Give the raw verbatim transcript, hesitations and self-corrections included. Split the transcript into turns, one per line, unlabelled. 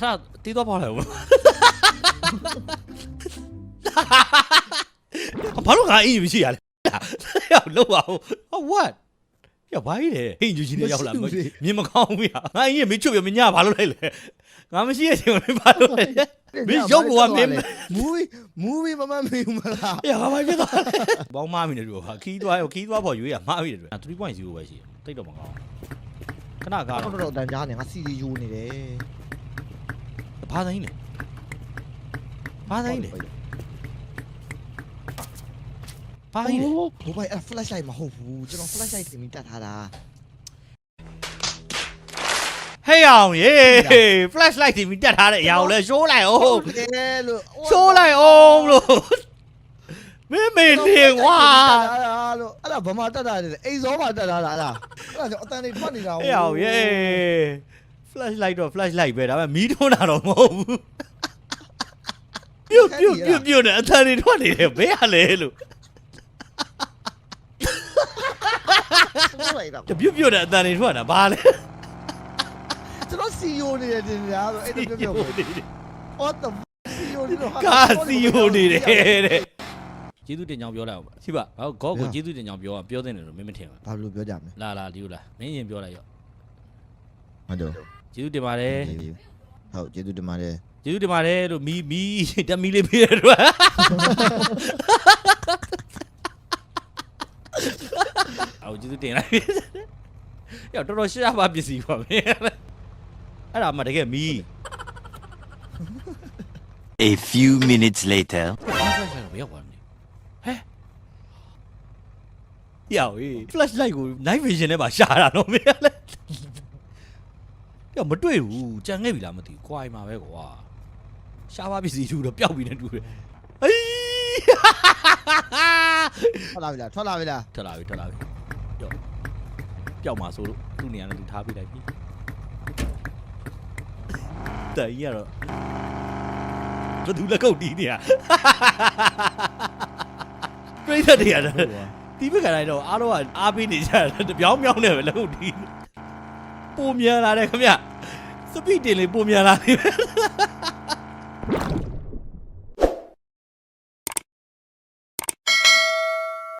ခါတီးတော့ပေါ့လေဘာလို့ငါအင်မရှိရလဲရောက်လောက်ပါဦး what ရောက်ပါလေအင်ဂျူကြီးနဲ့ရောက်လာမြင်မကောင်းဘူးရငါအင်ကြီးမချွတ်ပြမညဘာလို့လဲလေငါမရှိတဲ့အချိန်မှာဘာလို့လဲမင်းရုပ်ကမင်း
မူဗီမူဗီမမမေးဘူးမလား
ရဘာဖြစ်သွားလဲဘောင်းမမင်းတို့ဟာခီးသွားခီးသွားဖို့ရွေးရမှားပြီတယ်three point zero ပဲရှိတယ်တိတ်တော့မကောင်းခဏကား
တော့တော့တန်ကြားနေငါစီစီယူနေတယ်
ဘာသိင်းလဲဘာသိင်းလဲဘာသိင်းလဲ
ဘိုးဘိုင်အဲ့ flashlight မဟုတ်ဘူးကျွန်တော် flashlight တင်ပြီးတတ်ထားတာ
ဟေးအောင်ရေ flashlight တင်ပြီးတက်ထားတဲ့အရာကိုလည်းရှိုးလိုက်အောင်ရှိုးလိုက်အောင်လို့မင်းမင်းနေကွာ
လို့အဲ့ဒါဘာမှတက်တာလဲအိမ်စောမှတက်တာလားအဲ့ဒါအဲ့ဒါကြောင့်အတန်လေးထွက်နေတာ
ဟေးအောင်ရေ flashlight တော့ flashlight ပဲဒါပေမဲ့မီးထွန်းတာတော့မဟုတ်ဘူးပြုတ်ပြုတ်ပြုတ်ပြုတ်နဲ့အတန်လေးထွက်နေတယ်ဘယ်ရလဲလို့ပြုတ်ပြုတ်နဲ့အတန်လေးထွက်တာဘာလဲ
ကျွန်တော်စီယိုနေတယ်တင်များဆိုအဲ့ဒါပြောပြောwhat the စီယိုနေတော့
ကာစီယိုနေတယ်တဲ့ကျေးဇူးတင်ကြောင်းပြောလိုက်အောင်ပါရှိပါဘာဂေါကိုကျေးဇူးတင်ကြောင်းပြောပြောသင့်တယ်လို့မင်းမထင်ဘူး
ဘာလို့ပြောကြမလဲ
လာလာဒီလိုလားမင်းရင်ပြောလိုက်ရော
ဟုတ်တယ်
ကျေးဇူးတင်ပါတယ်
ဟုတ်ကျေးဇူးတင်ပါတယ်
ကျေးဇူးတင်ပါတယ်လို့မီမီတက်မီလေးပေးရတော့အော်ကျေးဇူးတင်လိုက်ရတော်တော်ရှားပါပစ္စည်းပါမင်းအဲ့ဒါမှတကယ်မီ
A few minutes later
ဘယ်ရောက်သွားလဲဟဲ့ရောက်ရေး flashlight ကို night vision နဲ့ပါရှာတာတော့မင်းလည်းရောက်မတွေ့ဘူးကြံခဲ့ပြီလားမသိဘူးခွာမှာပဲကွာရှားပါပစ္စည်းတူတော့ပျောက်ပြီနဲ့တူတယ်အေး
ထွက်လာပြီလားထွက်လာပြီလား
ထွက်လာပြီထွက်လာပြီကြောက်ပျောက်မှာဆိုလို့သူ့နေရာနဲ့သူထားပေးလိုက်ပြီတိုင်ရတော့ဘယ်သူလက်ကုပ်တီးနေရပြိတ္တတွေရတယ်တီးပကတိုင်းတော့အားလုံးကအားပေးနေကြတယ်တပြောင်းပြောင်းနေပဲလက်ကုပ်တီးပုံမြန်လာတယ်ခင်ဗျစပီဒ်တင်လေးပုံမြန်လာတယ်